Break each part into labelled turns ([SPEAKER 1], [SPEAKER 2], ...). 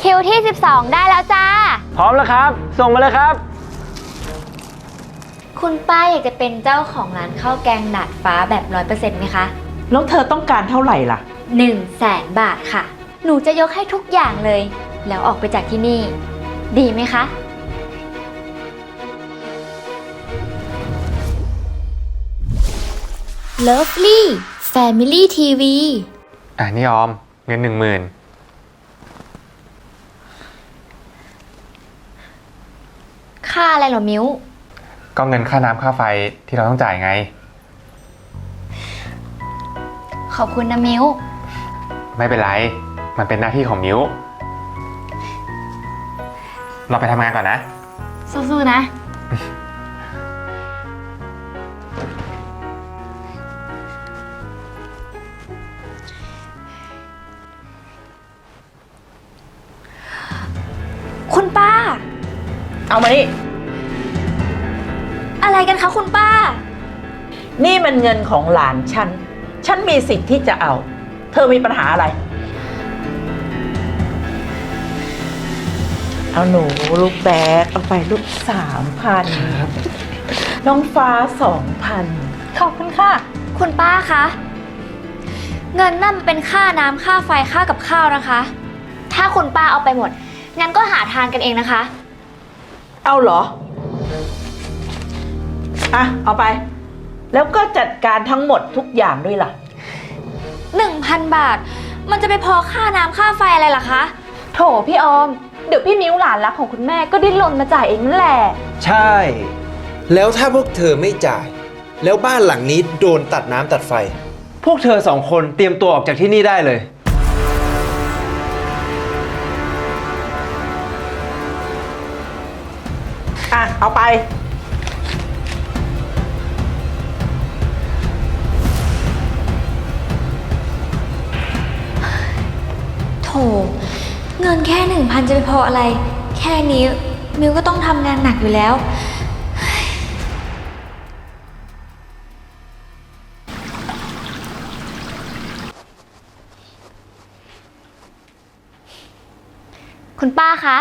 [SPEAKER 1] คิวที่12ได้แล้วจ้า
[SPEAKER 2] พร้อมแล้วครับส่งมาเลยครับ
[SPEAKER 1] คุณป้าอยากจะเป็นเจ้าของร้านข้าวแกงดาดฟ้าแบบ 100% ไหมคะ
[SPEAKER 3] แล้วเธอต้องการเท่าไหร่ล่ะ
[SPEAKER 1] 100,000 บาทค่ะหนูจะยกให้ทุกอย่างเลยแล้วออกไปจากที่นี่ดีไหมคะ Lovely Family TV
[SPEAKER 2] นี่ออมเงิน 10,000
[SPEAKER 1] ค่าอะไรเหรอมิ้ว
[SPEAKER 2] ก็เงินค่าน้ำค่าไฟที่เราต้องจ่ายไง
[SPEAKER 1] ขอบคุณนะมิ้ว
[SPEAKER 2] ไม่เป็นไรมันเป็นหน้าที่ของมิ้วเราไปทำงานก่อนนะ
[SPEAKER 1] สู้ๆนะคุณป้า
[SPEAKER 3] เอามานี่
[SPEAKER 1] อะไรกันคะคุณป้า
[SPEAKER 3] นี่มันเงินของหลานฉันมีสิทธิ์ที่จะเอาเธอมีปัญหาอะไรเอาหนูลูกแบกเอาไปลูก3,000น้องฟ้า2,000
[SPEAKER 1] ขอบคุณค่ะคุณป้าคะเงินนั่นเป็นค่าน้ำค่าไฟค่ากับข้าวนะคะถ้าคุณป้าเอาไปหมดงั้นก็หาทานกันเองนะคะ
[SPEAKER 3] เอาเหรอเอาไปแล้วก็จัดการทั้งหมดทุกอย่างด้วยล่ะ
[SPEAKER 1] 1,000 บาทมันจะไปพอค่าน้ำค่าไฟอะไรล่ะคะ
[SPEAKER 4] โถพี่ออมเดี๋ยวพี่มิ้วหลานรักของคุณแม่ก็ดิ้นรนมาจ่ายเองนั่นแหละ
[SPEAKER 5] ใช่แล้วถ้าพวกเธอไม่จ่ายแล้วบ้านหลังนี้โดนตัดน้ำตัดไฟ
[SPEAKER 2] พวกเธอ2 คนเตรียมตัวออกจากที่นี่ได้เลย
[SPEAKER 3] เอาไป
[SPEAKER 1] โถเงินแค่ 1,000 จะไปพออะไรแค่นี้มิวก็ต้องทำงานหนักอยู่แล้วคุณป้าคะ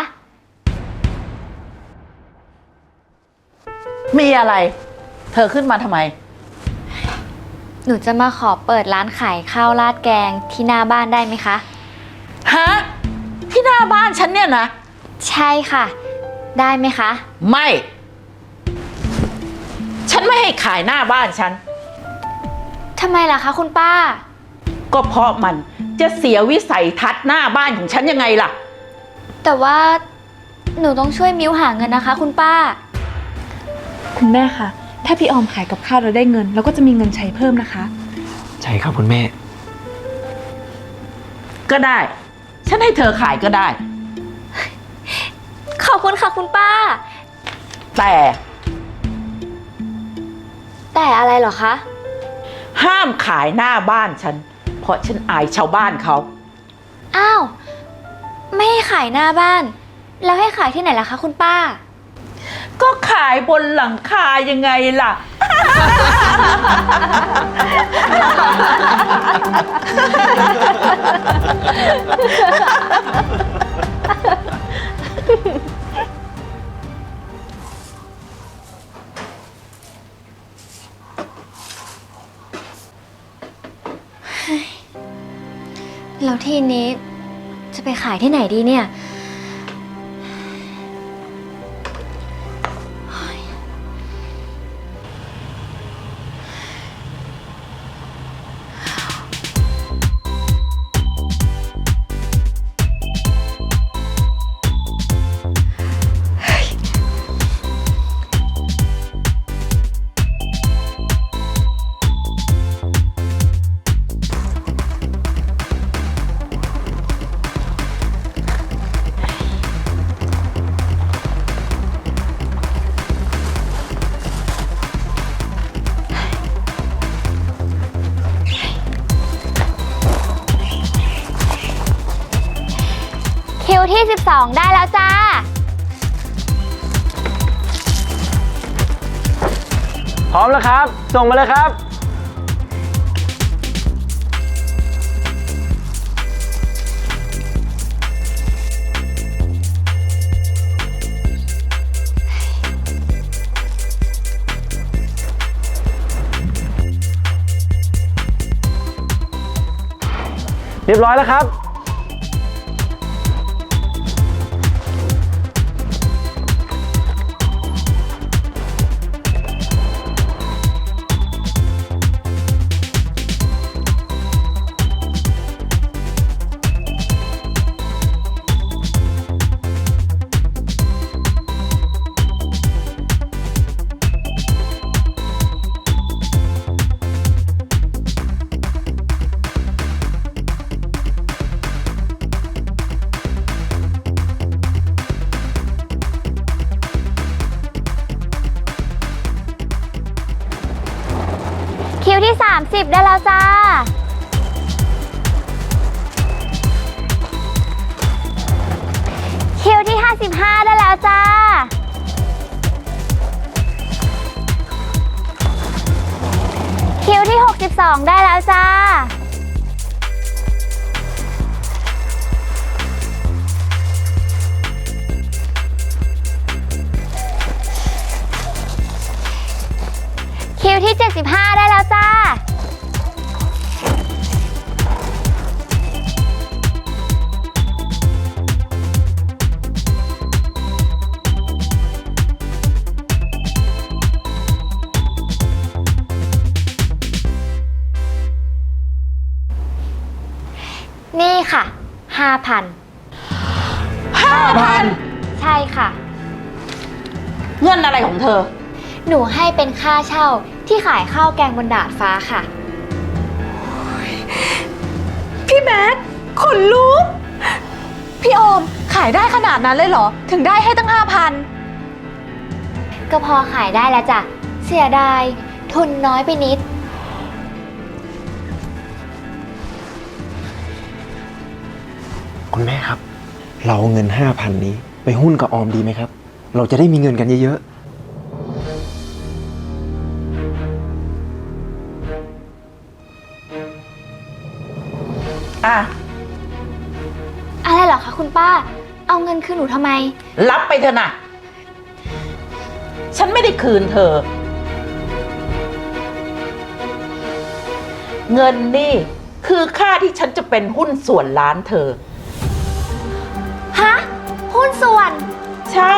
[SPEAKER 3] มีอะไรเธอขึ้นมาทำไม
[SPEAKER 1] หนูจะมาขอเปิดร้านขายข้าวราดแกงที่หน้าบ้านได้ไหมคะ
[SPEAKER 3] ฮะที่หน้าบ้านฉันเนี่ยนะ
[SPEAKER 1] ใช่ค่ะได้ไหมคะ
[SPEAKER 3] ไม่ฉันไม่ให้ขายหน้าบ้านฉัน
[SPEAKER 1] ทำไมล่ะคะคุณป้า
[SPEAKER 3] ก็เพราะมันจะเสียวิสัยทัศน์หน้าบ้านของฉันยังไงล่ะ
[SPEAKER 1] แต่ว่าหนูต้องช่วยมิ้วหาเงินนะคะคุณป้า
[SPEAKER 4] คุณแม่คะถ้าพี่ออมขายกับข้าวเราได้เงินเราก็จะมีเงินใช้เพิ่มนะคะ
[SPEAKER 2] ใช่ครับคุณแม่
[SPEAKER 3] ก็ได้ฉันให้เธอขายก็ได้
[SPEAKER 1] ขอบคุณค่ะคุณป้าแต่อะไรเหรอคะ
[SPEAKER 3] ห้ามขายหน้าบ้านฉันเพราะฉันอายชาวบ้านเขา
[SPEAKER 1] อ้าวไม่ให้ขายหน้าบ้านแล้วให้ขายที่ไหนล่ะคะคุณป้า
[SPEAKER 3] ก็ขายบนหลังคายังไงล่ะ
[SPEAKER 1] แล้วทีนี้จะไปขายที่ไหนดีเนี่ยคิวที่12ได้แล้วจ้า
[SPEAKER 2] พร้อมแล้วครับส่งมาเลยครับ
[SPEAKER 6] เรียบร้อยแล้วครับ
[SPEAKER 1] คิวที่ 30 ได้แล้วจ้า คิวที่ 55 ได้แล้วจ้า คิวที่ 62 ได้แล้วจ้า คิวที่ 75 ได้แล้วจ้า นี่ค่ะ 5,000
[SPEAKER 3] 5,000
[SPEAKER 1] ใช่ค่ะ
[SPEAKER 3] เงินอะไรของเธอ
[SPEAKER 1] หนูให้เป็นค่าเช่าที่ขายข้าวแกงบนดาดฟ้าค่ะ
[SPEAKER 4] พี่แม็กขนลุกพี่ออมขายได้ขนาดนั้นเลยเหรอ ถึงได้ให้ตั้ง 5,000
[SPEAKER 1] ก็พอขายได้แล้วจ้ะ เสียดาย ทุนน้อยไปนิด
[SPEAKER 5] คุณแม่ครับ เราเอาเงิน 5,000 นี้ไปหุ้นกับออมดีไหมครับ เราจะได้มีเงินกันเยอะ
[SPEAKER 3] อ่ะ
[SPEAKER 1] อะไรเหรอคะคุณป้า เอาเงินคืนหนูทำไม
[SPEAKER 3] รับไปเถอะนะฉันไม่ได้คืนเธอ เงินนี่คือค่าที่ฉันจะเป็นหุ้นส่วนร้านเธอ
[SPEAKER 1] ฮะ หุ้นส่วน
[SPEAKER 3] ใช่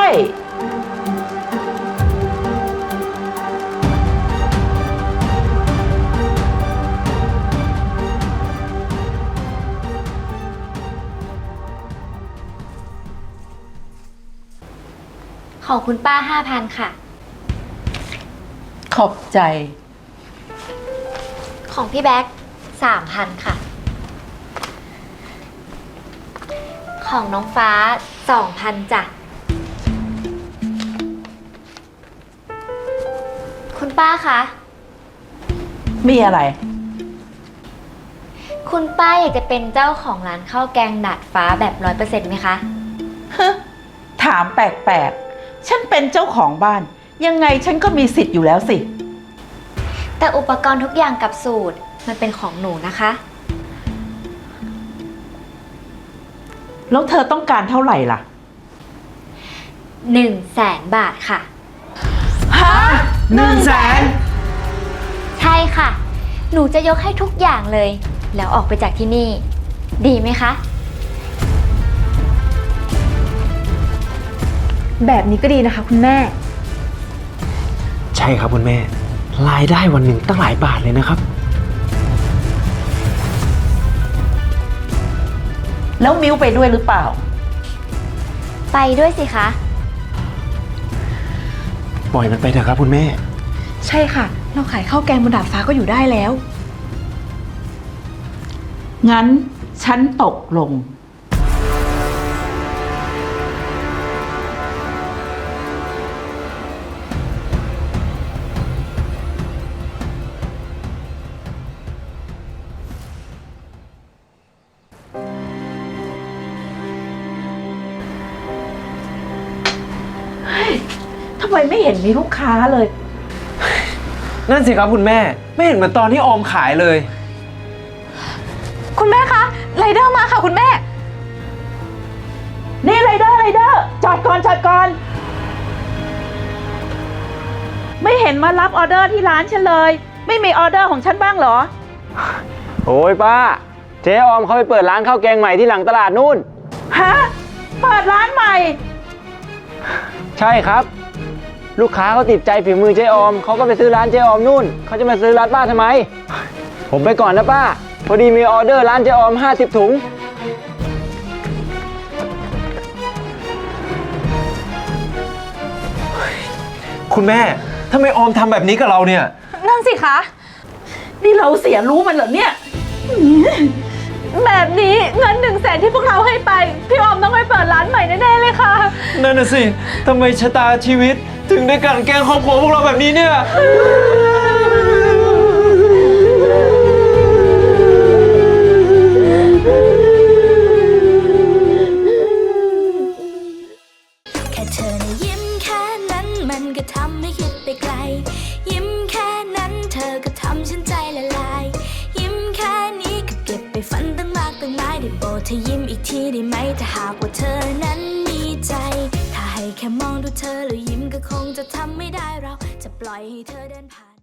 [SPEAKER 1] ของคุณป้า 5,000 ค่ะ
[SPEAKER 3] ขอบใจ
[SPEAKER 1] ของพี่แบ๊ก 3,000 ค่ะ ของน้องฟ้า 2,000 จ้ะ คุณป้าคะ
[SPEAKER 3] มีอะไร
[SPEAKER 1] คุณป้าอยากจะเป็นเจ้าของร้านข้าวแกงดาดฟ้าแบบ 100% ไหมคะ
[SPEAKER 3] ถามแปลกๆ ฉันเป็นเจ้าของบ้าน ยังไงฉันก็มีสิทธิ์อยู่แล้วสิ
[SPEAKER 1] แต่อุปกรณ์ทุกอย่างกับสูตรมันเป็นของหนูนะคะ
[SPEAKER 3] แล้วเธอต้องการเท่าไหร่ล่ะ
[SPEAKER 1] 100,000 บาทค่ะ
[SPEAKER 3] ฮะ
[SPEAKER 1] ใช่ค่ะ หนูจะยกให้ทุกอย่างเลย แล้วออกไปจากที่นี่ ดีไหมคะ
[SPEAKER 4] แบบนี้ก็ดีนะคะคุณแม่
[SPEAKER 5] ๆ ใช่ครับคุณแม่ รายได้วันหนึ่งตั้งหลายบาทเลยนะครับ
[SPEAKER 3] แล้วมิ้วไปด้วยหรือเปล่า
[SPEAKER 1] ไปด้วยสิคะ
[SPEAKER 5] ปล่อยมันไปเถอะครับคุณแม่
[SPEAKER 4] ใช่ค่ะ เราขายข้าวแกงบนดาดฟ้าก็อยู่ได้แล้ว
[SPEAKER 3] งั้นฉันตกลง เฮ้ย ทำไมไม่เห็นมีลูกค้าเลย
[SPEAKER 5] นั่นสิครับคุณแม่ ไม่เห็นเหมือนตอนที่ออมขายเลย
[SPEAKER 4] คุณแม่คะไรเดอร์มาค่ะคุณแม่
[SPEAKER 3] นี่ไรเดอร์จอดก่อน ไม่เห็นมารับออเดอร์ที่ร้านฉันเลย ไม่มีออเดอร์ของฉันบ้างเหรอ
[SPEAKER 6] โอ้ยป้าเจ๊ออมเขาไปเปิดร้านข้าวแกงใหม่ที่หลังตลาดนู่น
[SPEAKER 3] ฮะ เปิดร้านใหม่
[SPEAKER 6] ใช่ครับ ลูกค้าเขาติดใจฝีมือเจ๊ออมเขาก็ไปซื้อร้านเจ๊ออมนู่นเขาจะมาซื้อร้านป้าทำไม ผมไปก่อนนะป้า พอดีมีออเดอร์ร้านเจ๊ออม50 ถุง
[SPEAKER 5] คุณแม่ทำไมออมทำแบบนี้กับเราเนี่ย
[SPEAKER 4] นั่นสิคะ
[SPEAKER 3] นี่เราเสียรู้มันเหรอเนี่ย
[SPEAKER 4] แบบนี้เงิน100,000ที่พวกเราให้ไป พี่ออมต้องไปเปิดร้านใหม่แน่ๆเลยค่ะ
[SPEAKER 5] นั่นน่ะสิทำไมชะตาชีวิต ถึงได้กลั่นแกล้งครอบครัวพวกเราแบบนี้เนี่ย
[SPEAKER 7] แค่เธอนะยิ้มแค่นั้นมันก็ทำให้คิดไปไกล ยิ้มแค่นั้นเธอก็ทำฉันใจละลาย ยิ้มแค่นี้ก็เก็บไปฝันตั้งมากตั้งหลายได้โปรดเธอยิ้มอีกทีได้ไหมถ้าหากว่าเธอนั้นมีใจ ถ้าให้แค่มองดูเธอแล้วยิ้มก็คงจะทำไม่ได้เราจะปล่อยให้เธอเดินผ่าน